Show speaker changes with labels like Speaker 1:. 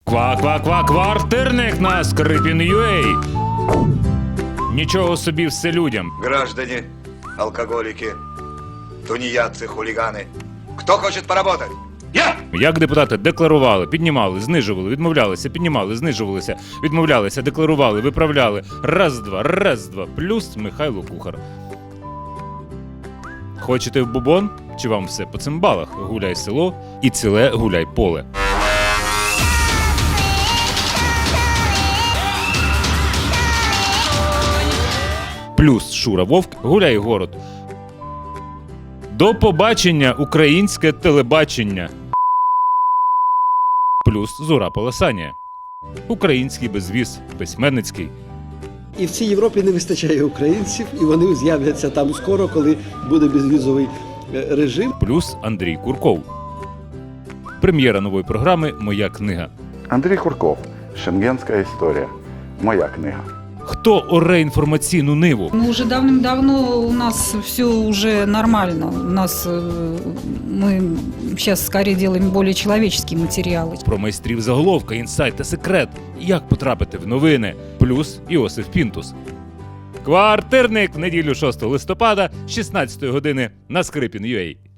Speaker 1: Квартирник на Скрипін.ua. Нічого собі все людям.
Speaker 2: Граждане, алкоголики, тунеядцы, хулиганы. Кто хочет поработать? Я!
Speaker 1: Як депутати декларували, піднімали, знижували, відмовлялися, піднімали, знижувалися, відмовлялися, декларували, виправляли. Раз-два. Плюс Михайло Кухар. Хочете в бубон? Чи вам все по цимбалах? Гуляй село і ціле гуляй поле. Плюс Шура Вовк, гуляй город. До побачення, українське телебачення. Плюс Зура Полосанія. Український безвіз, письменницький.
Speaker 3: І в цій Європі не вистачає українців, і вони з'являться там скоро, коли буде безвізовий режим.
Speaker 1: Плюс Андрій Курков. Прем'єра нової програми «Моя книга».
Speaker 4: Андрій Курков. Шенгенська історія. Моя книга.
Speaker 1: Хто оре інформаційну ниву?
Speaker 5: Ну, уже давным-давно у нас все уже нормально. У нас мы сейчас скорее делаем более человеческие материалы.
Speaker 1: Про майстрів заголовка, інсайт та секрет. Як потрапити в новини? Плюс Іосиф Пінтус. Квартирник в неділю 6 листопада, 16 години на Скрипін.ua.